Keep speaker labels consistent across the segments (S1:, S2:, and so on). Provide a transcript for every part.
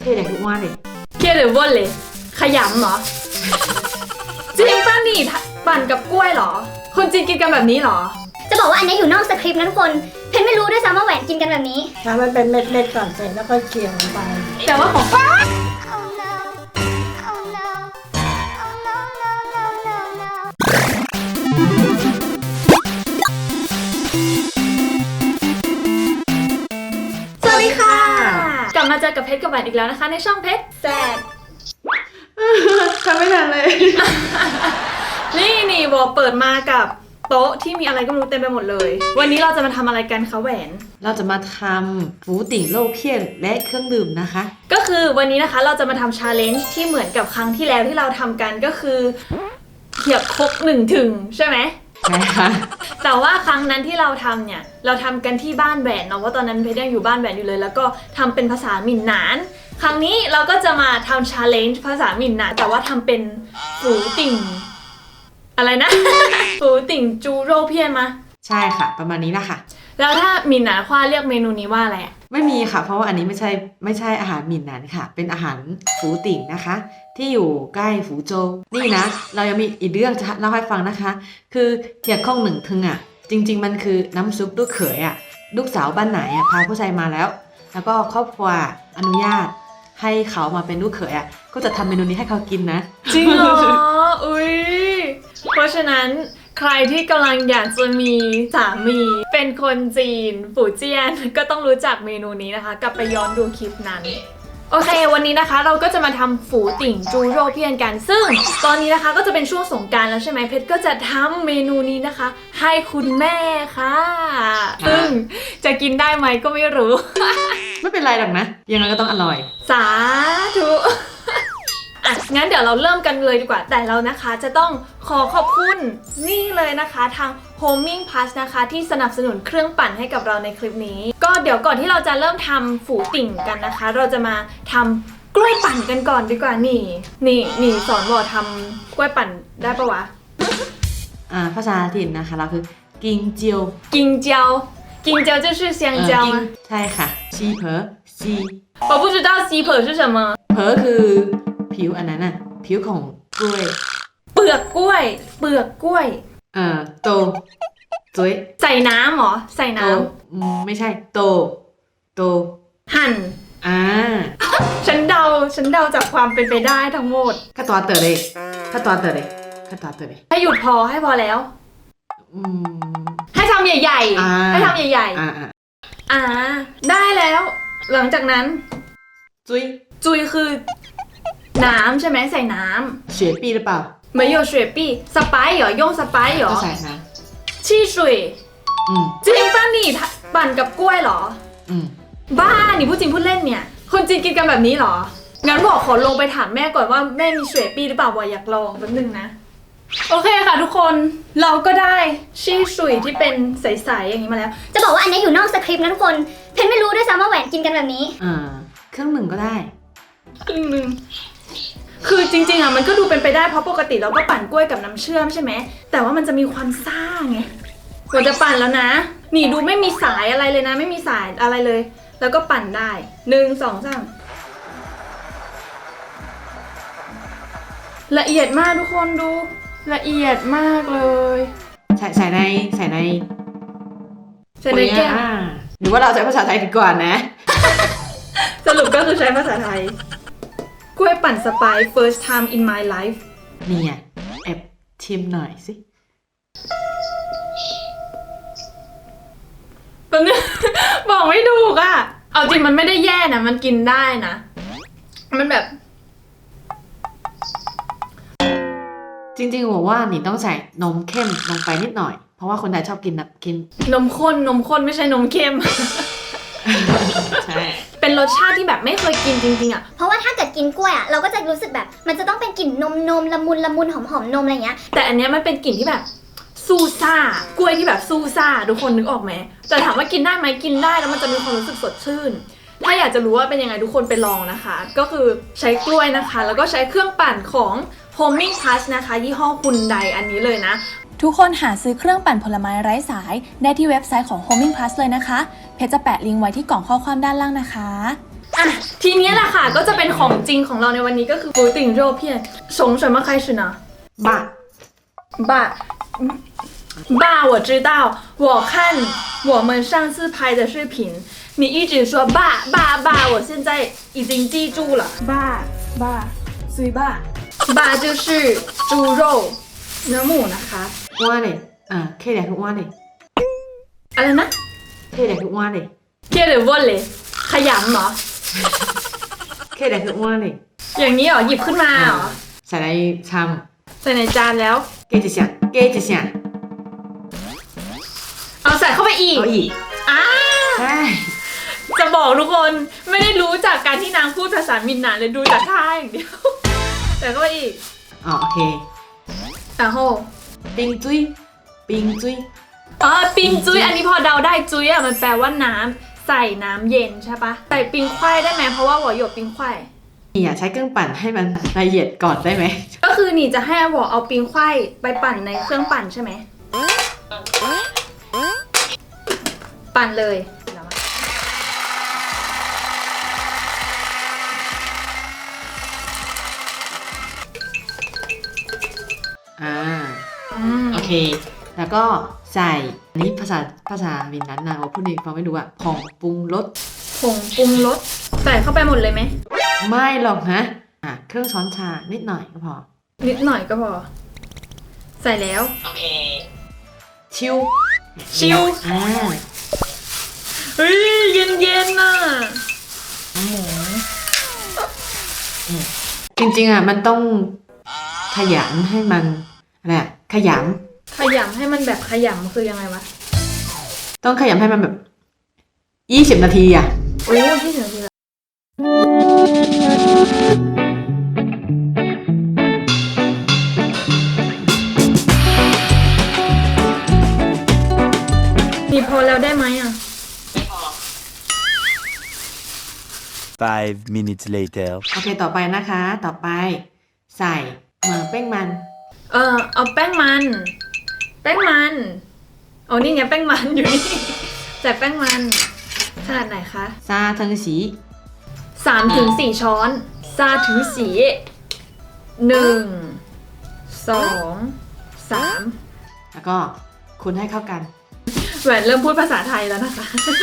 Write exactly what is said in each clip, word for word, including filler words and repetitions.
S1: รียดอย่างทุกวันเลย
S2: เครียดหรือว่นเลยขยำเหรอ จริงป้านี่ปั่นกับกล้วยเหรอคนจีนกินกันแบบนี้เหรอ
S3: จะบอกว่าอันนี้อยู่นอกสคริปต์นะทุกคนเพนไม่รู้ด้วยซ้ำว่าแหวนกินกันแบบนี้
S4: ถ้ามันเป็นเม็ดๆก่อนเสร็จแล้วก็เคี่ยวลงไป
S2: แต่ว่าของป้าสวัสดีค่ะกลับมาเจอกับเพชรกับแหวนอีกแล้วนะคะในช่องเพชรแซ่บ
S1: ทำไม่ทันเลย
S2: นี่นี่บอกเปิดมากับโต๊ะที่มีอะไรก็ไม่รู้เต็มไปหมดเลยวันนี้เราจะมาทำอะไรกันคะแหวน
S1: เราจะมาทำฟูติ่งโลเพี้ยนและเครื่องดื่มนะคะ
S2: ก็คือวันนี้นะคะเราจะมาทำชาเลนจ์ที่เหมือนกับครั้งที่แล้วที่เราทำกันก็คือเขียบครกหนึ่งถึงใช่ไหม
S1: ใช่ค่ะ
S2: แต่ว่าครั้งนั้นที่เราทำเนี่ยเราทำกันที่บ้านแหวนเนาะว่าตอนนั้นเพชรยังอยู่บ้านแหวนอยู่เลยแล้วก็ทำเป็นภาษาหมิ่นหนานครั้งนี้เราก็จะมาทำชาเลนจ์ภาษาหมิ่นหนานแต่ว่าทำเป็นฟูติ่งอะไรนะ ฟูติ่งจูโร่เพี้ยนมา
S1: ใช่ค่ะประมาณนี้ละค่ะ
S2: แล้วถ้าหมิ่นหนานคว้าเรียกเมนูนี้ว่าอะไร
S1: ไม่มีค่ะเพราะว่าอันนี้ไม่ใช่ไม่ใช่อาหารหมิ่นหนานค่ะเป็นอาหารฟูติ่งนะคะที่อยู่ใกล้ฟูโจวนี่นะเรายังมีอีกเรื่องจะเล่าให้ฟังนะคะคือเทียบข้องหนึ่งทึงอ่ะจริงๆมันคือน้ำซุปลูกเขยอ่ะลูกสาวบ้านไหนอ่ะพาผู้ชายมาแล้วแล้วก็ครอบครัวอนุญาตให้เขามาเป็นลูกเขยอ่ะก็จะทำเมนูนี้ให้เขากินนะ
S2: จริงเหรออุ้ยเพราะฉะนั้นใครที่กำลังอยากจะมีสามีเป็นคนจีนฝูเจี้ยนก็ต้องรู้จักเมนูนี้นะคะกลับไปย้อนดูคลิปนั้นโอเควันนี้นะคะเราก็จะมาทำฝูติ่งจูโร่เพี้ยนกันซึ่งตอนนี้นะคะก็จะเป็นช่วงสงกรานต์แล้วใช่ไหมเพชรก็จะทำเมนูนี้นะคะให้คุณแม่ค่ะซึ่งจะกินได้ไหมก็ไม่รู้
S1: ไม่เป็นไรหรอกนะยังไงก็ต้องอร่อย
S2: สาธุอ่ะงั้นเดี๋ยวเราเริ่มกันเลยดีกว่าแต่เรานะคะจะต้องขอขอบคุณนี่เลยนะคะทาง Homing Plus นะคะที่สนับสนุนเครื่องปั่นให้กับเราในคลิปนี้ก็เดี๋ยวก่อนที่เราจะเริ่มทำฝูติ่งกันนะคะเราจะมาทำกล้วยปั่นกันก่อนดีกว่านี่นี่นี่สอนบอกทำกล้วยปั่นได้ปะวะ
S1: อ่าภาษาถิ่นนะคะเราคือกิงเจียว
S2: กิงเจียวกิงเจียว就是香蕉吗
S1: ใช่ค่ะซีเพอซี
S2: 我不知道ซีเพอ是什么
S1: เพอคือผิวอันนั้นน่ะผิวของกล้วย
S2: เปลือกกล้วยเปลือกกล้วย
S1: เอ่อโตจุ้ย
S2: ใส่น้ำหรอใส่น้
S1: ำไม่ใช่โตโต
S2: หั่น
S1: อ่า
S2: ฉันเดาฉันเดาจากความเป็นไปได้ทั้งหมด
S1: ข้าตัวเต๋อเลยข้าตัวเต๋อเลยข้าตัวเต๋อเลย
S2: ให้หยุดพอให้พอแล้ว
S1: อืม
S2: ให้ทำใหญ่ๆให้ทำใหญ่
S1: ๆอ่า
S2: อ่าได้แล้วหลังจากนั้น
S1: จุ้ย
S2: จุ้ยคือน้ำใช่ไหมใส่น้ำ
S1: 雪碧หรือเปล่า
S2: 没有雪碧สไปซ์เหรอโยงสไปซ์เหรอ
S1: ก็ใส่นะ
S2: ชี่สุย
S1: อืม
S2: จริงป้านี่ปั่นกับกล้วยเหรอ
S1: อืม
S2: บ้านี่พูดจริงพูดเล่นเนี่ยคนจีนกินกันแบบนี้เหรองั้นบอกขอลงไปถามแม่ก่อนว่าแม่มีเชฟปี้หรือเปล่าบอกอยากลองแป๊บนึงนะโอเคค่ะทุกคนเราก็ได้ชี่สุยที่เป็นใสๆอย่างนี้มาแล้ว
S3: จะบอกว่าอันนี้อยู่นอกสคริปต์นะทุกคนเพนไม่รู้ด้วยซ้ำว่าแหวนกินกันแบบนี้
S1: อ่าเครื่องหนึ่งก็ได้
S2: ครึ่งหนึ่งคือจริงๆอ่ะมันก็ดูเป็นไปได้เพราะปกติเราก็ปั่นกล้วยกับน้ำเชื่อมใช่ไหมแต่ว่ามันจะมีความซ่าไงเราจะปั่นแล้วนะนี่ดูไม่มีสายอะไรเลยนะไม่มีสายอะไรเลยแล้วก็ปั่นได้หนึ่งสองสามละเอียดมากทุกคนดูละเอียดมากเลย
S1: ใส่ใส่ในใส่ใน
S2: ใส่ในแก้ว
S1: หรือว่าเราใช้ภาษาไทยดีกว่านะ
S2: สรุปก็คือใช้ภาษาไทยกล้วยปั่นสไปซ์ first time in my life
S1: นี่ไงแอบชิมหน่อยสิ
S2: ตอนนี้บอกไม่ถูกอ่ะเอาจริงมันไม่ได้แย่นะมันกินได้นะมันแบบ
S1: จริงๆบอกว่านี่ต้องใส่นมเข้มลงไปนิดหน่อยเพราะว่าคนไทยชอบกินนะกิน
S2: นมข้นนมข้นไม่ใช่นมเข้ม
S1: ใช่
S2: เป็นรสชาติที่แบบไม่เคยกินจริงๆอ่ะ
S3: เพราะว่าถ้าเกิดกินกล้วยอ่ะเราก็จะรู้สึกแบบมันจะต้องเป็นกลิ่นนมนมละมุนละมุนหอมหอมนมอะไรเงี้ย
S2: แต่อันเนี้ยมันเป็นกลิ่นที่แบบซูซ่ากล้วยที่แบบซูซ่าทุกคนนึกออกไหมแต่ถามว่ากินได้ไหมกินได้แล้วมันจะมีความรู้สึกสดชื่นถ้าอยากจะรู้ว่าเป็นยังไงทุกคนไปลองนะคะก็คือใช้กล้วยนะคะแล้วก็ใช้เครื่องปั่นของ Homing Plus นะคะยี่ห้อฮุนไดอันนี้เลยนะ
S5: ทุกคนหาซื้อเครื่องปั่นผลไม้ไร้สายได้ที่เว็บไซต์ของ Homing Plus เลยนะคะเพจจะแปะลิงก์ไว้ที่กล่องข้อความด้านล่างนะคะ
S2: อ่ะทีนี้แหละค่ะก็จะเป็นของจริงของเราในวันนี้ก็คือปูติ่งโรเพียน从什么开始呢
S1: บ้า
S2: 爸爸我知道我看我们上次拍的视频你一直说爸爸爸我现在已经记住了
S4: 爸爸ซุยบ้า
S2: 爸就是猪肉เนื้อหมูนะคะ
S1: อ้วนเลยอ่าเคแดกคืออ้วนเลย
S2: อะไรนะ
S1: เคแดกคืออ้วนเลย
S2: เกียร์หรือว่นเลยขยำเหรอ
S1: เคแดกคืออ้วนเลย
S2: อย่างนี้เหรอหยิบขึ้นมาเหรอ
S1: ใส่ในชาม
S2: ใส่ในจานแล้ว
S1: เกจิเสียเกจิเสีย
S2: เอาใส่เข้าไปอีก
S1: เอาอีก
S2: อ่า
S1: ใช่
S2: จะบอกทุกคนไม่ได้รู้จากการที่นางพูดภาษามินนานเลยดูจากท่าอย่างเดียว ใส่เข้าไปอีก
S1: อ๋อโอเค
S2: อ่ะโห
S1: ปิงจุ้ยปิงจุ้ย
S2: อ๋อปิงจุ้ยอันนี้พอเดาได้จุ้ยอ่ะมันแปลว่าน้ำใส่น้ำเย็นใช่ปะใส่ปิงควายได้ไหมเพราะว่าหัวหยกปิงควาย
S1: นี่อ่ะใช้เครื่องปั่นให้มันละเอียดก่อนได้ไหม
S2: ก็คือนี่จะให้อาหัวเอาปิงควายไปปั่นในเครื่องปั่นใช่ไหมปั่นเลย
S1: อ่า
S2: อืม
S1: โอเค แล้วก็ใส่อันนี้ภาษาภาษาวินนั้นนะว่าพูดดีฟังไม่รู้อะผงปรุงรส
S2: ผงปรุงรสใส่เข้าไปหมดเลยไหม
S1: ไม่หรอกนะอ่ะเครื่องช้อนชานิดหน่อยก็พอ
S2: นิดหน่อยก็พอ ใส่แล้ว
S1: โอเค ชิว
S2: ชิว
S1: อ่า
S2: เฮ้ยเย็นเย็นๆน่ะ
S1: จริงๆอ่ะมันต้องขยำให้มันอะไรอะขย
S2: ขยำให้มันแบบขยำคือยังไงวะ
S1: ำต้องขยำให้มันแบบยี่สิบนาทีอ่ะ
S2: โอ้ยที่เหนือคือนี่พอแล้วได้ไหมอ่ะ
S6: Five minutes later.
S1: โอเคต่อไปนะคะ ต่อไปใส่เหมือแป้งมัน
S2: เออเอาแป้งมัน แป้งมันอ๋อนี่ไงแป้งมันอยู่นี่ ใส่แป้งมันขนาดไหนคะ
S1: ซาเทิงสี
S2: สามถึงสี่ช้อนซาถึงสีหนึ่งสองสาม
S1: แล้วก็คนให้เข้ากัน
S2: แหวนเริ่มพูดภาษาไทยแล้วนะคะ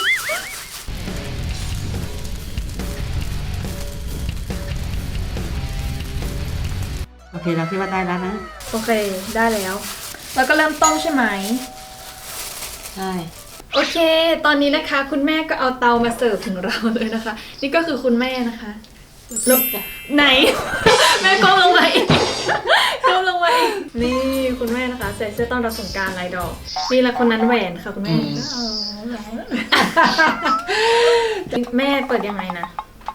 S1: โอเคเราคิดว่าได้แล้วนะ
S2: โอเคได้แล้ว แล้วก็เริ่มต้มใช่ไหม
S1: ใช่
S2: โอเค ตอนนี้นะคะ คุณแม่ก็เอาเตามาเสิร์ฟถึงเราเลยนะคะ นี่ก็คือคุณแม่นะคะลงไหน แม่ก้มลงมาอีกก้มลงมาอีกนี่คุณแม่นะคะ ใส่เสื้อต้อนรับสงกรานต์ลายดอก นี่แหละคนนั้นแหวนค่ะคุณแม่แม่เปิดยังไงนะ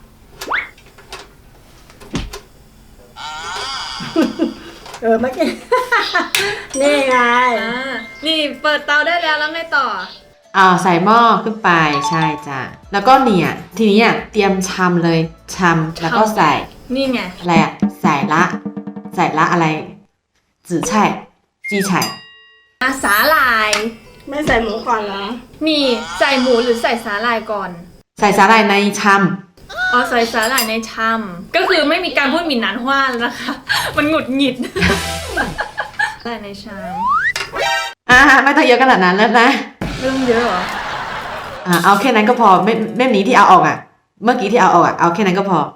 S4: เออเมื่อกี้ นี่ไง
S2: อ่านี่เปิดเตาได้แล้วแล้วไงต่อ
S1: อ่าใส่หม้อขึ้นไปใช่จ้ะแล้วก็เนี่ยทีนี้อ่ะเตรียมชำเลยชำแล้วก็ใส่
S2: นี่ไง
S1: อะไรอ่ะใส่ละ ใส่ละอะไรจื่อไช่จีไช่
S2: อาสาหร่าย
S4: ไม่ใส่หมูก่อนเหรอ
S2: นี่ใส่หมูหรือใส่สาหร่ายก่อน
S1: ใส่สาหร่ายในช
S2: อ๋อใส่สาหร่ายในชามก็คือไม่มีการพูดหมิ่นหนานฮว่าแล้วนะคะ มันหงุดหงิด ใส่ในชาม
S1: ำอ่าไม่ต้องเยอะขนาดนั้นแล้วนะ
S2: ไม่ต้องเยอะเหรอ
S1: อ่าเอาแค่นั้นก็พอไม่ไม่นี้ที่เอาออกอ่ะ เมื่อกี้ที่เอาออกอ่ะเอาแค่นั้นก็พอ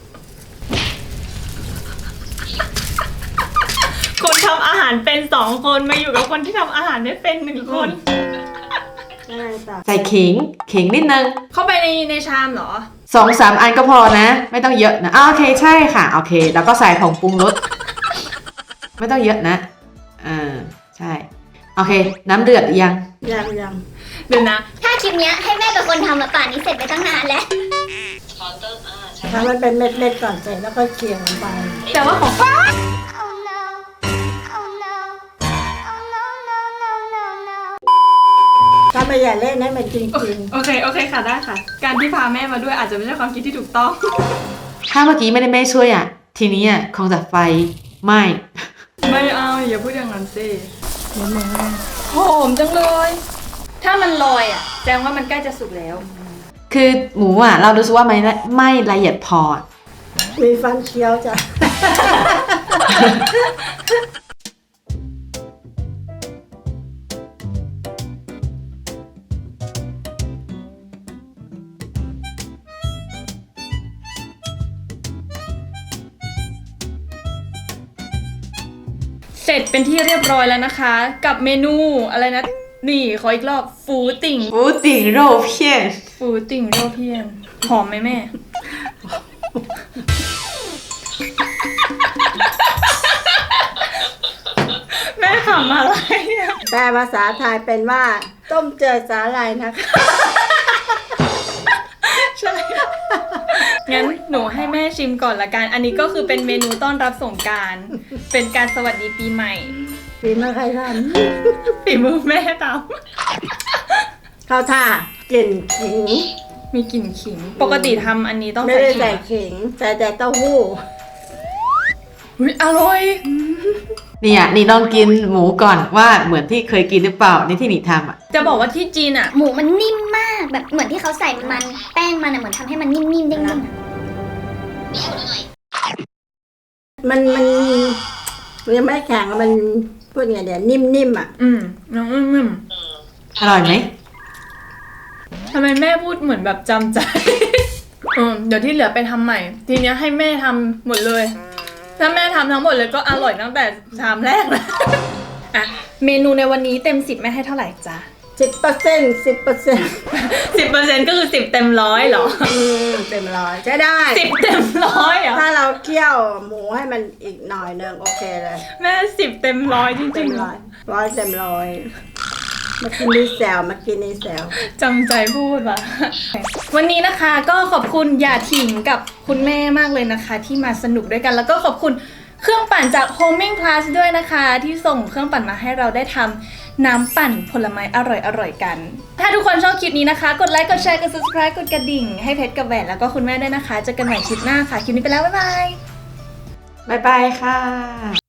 S2: คนทำอาหารเป็นสองคนมาอยู่กับคนที่ทำอาหารไม่เป็นหนึ่งคน
S4: อะไรต่อ
S1: ใส่ขิงขิงนิดนึง
S2: เข้าไปในในชามเหรอ
S1: สองสามอันก็พอนะ ไม่ต้องเยอะนะอ่าโอเคใช่ค่ะโอเค แล้วก็ใส่ผงปรุงรส ไม่ต้องเยอะนะอ่าใช่โอเค น้ำเดือดยัง
S4: ยังยัง
S2: เดี๋ยวนะ
S3: ถ้าคลิปเนี้ยให้แม่เป็นคนทำมาป่านนี้เสร็จไปตั้งนานแล้ว
S4: ทำมันเป็นเม็ดๆก่อนเสร็จแล้วก็เคี่ยวลงไป
S2: แต่ว่าของ
S3: Oh no Oh no Oh no no no no no
S4: ถ้าไม่อย่าเล่นให้มันจริง
S2: โอเคโอเคค่ะได้ค่ะ การที่พาแม่มาด้วยอาจจะไม่ใช่ความคิดที่ถูกต้อง
S1: ถ้าเมื่อกี้ไม่ได้แม่ช่วยอ่ะ ทีนี้อ่ะคงจะไฟไหม้
S2: ไม่เอาอย่าพูดอย่างนั้นสิ
S4: ๆนิดนึงนะ
S2: หอมจังเลย ถ้ามันลอยอ่ะแสดงว่ามันใกล้จะสุกแล้ว
S1: คือหมูอ่ะ เรารู้สึกว่าไม่ละไม่ละเอียดพอ
S4: มีฟันเคี้ยวจ้ะ
S2: เสร็จเป็นที่เรียบร้อยแล้วนะคะ กับเมนูอะไรนะ นี่ขออีกรอบฟูติ่ง
S1: ฟูติ่งโรเพียน
S2: ฟูติ่งโรเพียนหอมไหมแม่ แม่ขำอะไรอะ
S4: แปลภาษาไทยเป็นว่า ต้มเจือสาหร่ายนะคะ
S2: ใช่ งั้นหนูให้แม่ชิมก่อนละกัน อันนี้ก็คือเป็นเมนูต้อนรับสงกรานต์เป็นการสวัสดีปีใหม่
S4: ฝีมือใครท
S2: ฝีมือแม่ตาม
S4: ำเข้าท่ากลิ่นขิง
S2: มีกลิ่นขิง ปกติทำอันนี้ต้อง
S4: ไม่
S2: ใส่
S4: ได้
S2: ขิ
S4: ใส่
S2: ง
S4: ขิงใส่แต่เต้าหู้
S2: อุ๊ยอร่อย
S1: เนี่ยนี่ลองกินหมูก่อนว่าเหมือนที่เคยกินหรือเปล่าในที่นี่ทำอ่ะ
S2: จะบอกว่าที่จีนอ่ะ
S3: หมูมันนิ่มมากแบบเหมือนที่เขาใส่มันแป้งมันอะเหมือนทำให้มันนิ่มๆเด้งๆอะ
S4: มันมันมันยังไม่แข็งมันพูดไงเดี๋ยวนิ่มๆอ่ะ
S2: อืมน้องอืม
S1: อร่อยไหม
S2: ทำไมแม่พูดเหมือนแบบจำใจ อืมเดี๋ยวที่เหลือไปทำใหม่ ทีเนี้ยให้แม่ทำหมดเลย ถ้าแม่ทำทั้งหมดเลยก็อร่อยตั้งแต่ชามแรกแล้ว อ่ะ เมนูในวันนี้เต็มสิบแม่ให้เท่าไหร่จ๊ะ
S4: สิบเปอร์เซ็นต์สิบเปอร์เซ็นต์
S2: สิบเปอร์เซ็นต์ก็คือสิบเต็มร้อยเหรอ
S4: เต็มร้อยใช้ได้
S2: สิบเต็มร้อยเหรอ
S4: ถ้าเราเคี่ยวหมูให้มันอีกหน่อยนึงโอเคเลย
S2: แม่สิบเต็มร้อยจ
S4: เต็
S2: ริง
S4: ม
S2: ๆเหร
S4: ร้
S2: อ
S4: อยร้อยเต็มร้อยมากินนี่แซวมากินนี่แซว
S2: จำใจพูดว่ะ วันนี้นะคะก็ขอบคุณหยาถิงกับคุณแม่มากเลยนะคะ ที่มาสนุกด้วยกัน แล้วก็ขอบคุณเครื่องปั่นจาก Homing Plus ด้วยนะคะ ที่ส่งเครื่องปั่นมาให้เราได้ทำน้ำปั่นผลไม้อร่อยๆกัน ถ้าทุกคนชอบคลิปนี้นะคะ กดไลค์กดแชร์กด subscribe กดกระดิ่งให้เพชรกับแหวนแล้วก็คุณแม่ด้วยนะคะเจอกันใหม่คลิปหน้าค่ะคลิปนี้ไปแล้วบ๊ายบาย
S1: บ๊ายบายค่ะ